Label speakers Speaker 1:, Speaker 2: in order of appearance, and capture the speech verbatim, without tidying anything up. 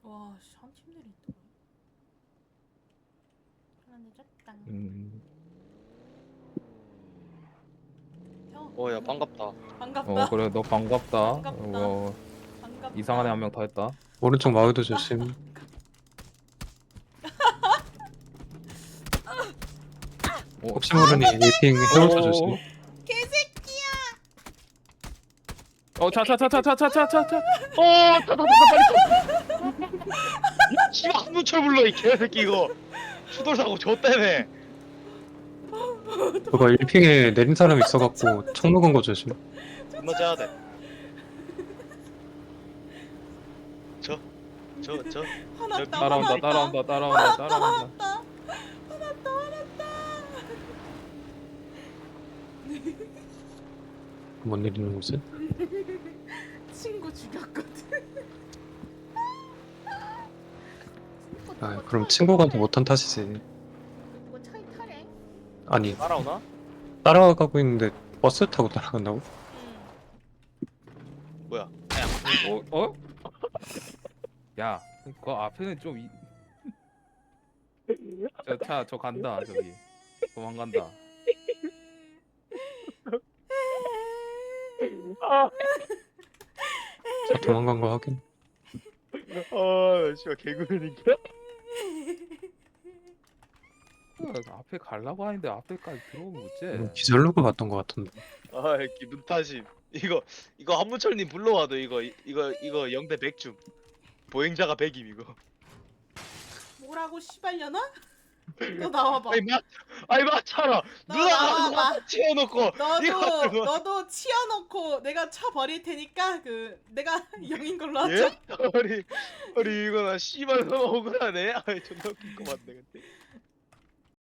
Speaker 1: 와, 씨, 한 팀들이 있더라. 하나 늦었다.
Speaker 2: 음.
Speaker 1: 형.
Speaker 3: 어, 야, 반갑다.
Speaker 1: 반갑다.
Speaker 2: 어 그래 너 반갑다.
Speaker 1: 반갑다.
Speaker 2: 어,
Speaker 1: 반갑다.
Speaker 2: 이상한 애 한 명 더 했다.
Speaker 4: 오른쪽 마을도 조심.
Speaker 2: 어,
Speaker 4: 혹시 모르니 일핑 해골도 조심.
Speaker 1: 개새끼야.
Speaker 2: 어, 차차차차차차차차.
Speaker 3: 어, 따다다다 빨리. 씨발 한문철 불러 이 개새끼 이거. 추돌 사고 저 때문에.
Speaker 4: 그거 일핑에 내린 사람 있어갖고 총 먹은 거 조심.
Speaker 3: 존나 짜야 돼. 저, 저, 저.
Speaker 1: 화났다.
Speaker 2: 따라온다
Speaker 1: 화났다.
Speaker 2: 따라온다 따라온다 따라온다.
Speaker 1: 화났다. 화났다. 화났다.
Speaker 4: 뭔 일 있는 거지?
Speaker 1: 친구 죽였거든.
Speaker 4: 아 그럼 친구가 더 못한 탓이지.
Speaker 1: 누가 차에 타래?
Speaker 4: 아니
Speaker 3: 따라오나?
Speaker 4: 따라가고 있는데 버스 타고 따라간다고?
Speaker 1: 응.
Speaker 3: 뭐야? 아야.
Speaker 2: 어? 어? 야, 그 앞에는 좀 이... 저 차 저 간다 저기. 도망간다.
Speaker 3: 아,
Speaker 4: 자 도망간 거 확인.
Speaker 3: 아, 씨발 개구리니까.
Speaker 2: 그 앞에 가려고 하는데 앞에까지 들어오면
Speaker 4: 이거
Speaker 2: 어째?
Speaker 4: 기절로그 봤던 거 같은데.
Speaker 3: 아, 기분 탓임. 이거, 이거 한문철님 불러와도 이거, 이거, 이거 영 대 백 중. 보행자가 백임 이거.
Speaker 1: 뭐라고 씨발려나? 너 나와봐.
Speaker 3: 아니 맞, 아니 맞잖아.
Speaker 1: 너
Speaker 3: 누나가
Speaker 1: 나와봐.
Speaker 3: 치워놓고
Speaker 1: 너도
Speaker 3: 이거 이거
Speaker 1: 너도 치워놓고 내가 차 버릴 테니까 그 내가 영인 걸로 하자.
Speaker 3: 예? 우리 우리 이거 나 씨발 너무 억울하네. 아이 존나 웃긴 거 맞네 근데.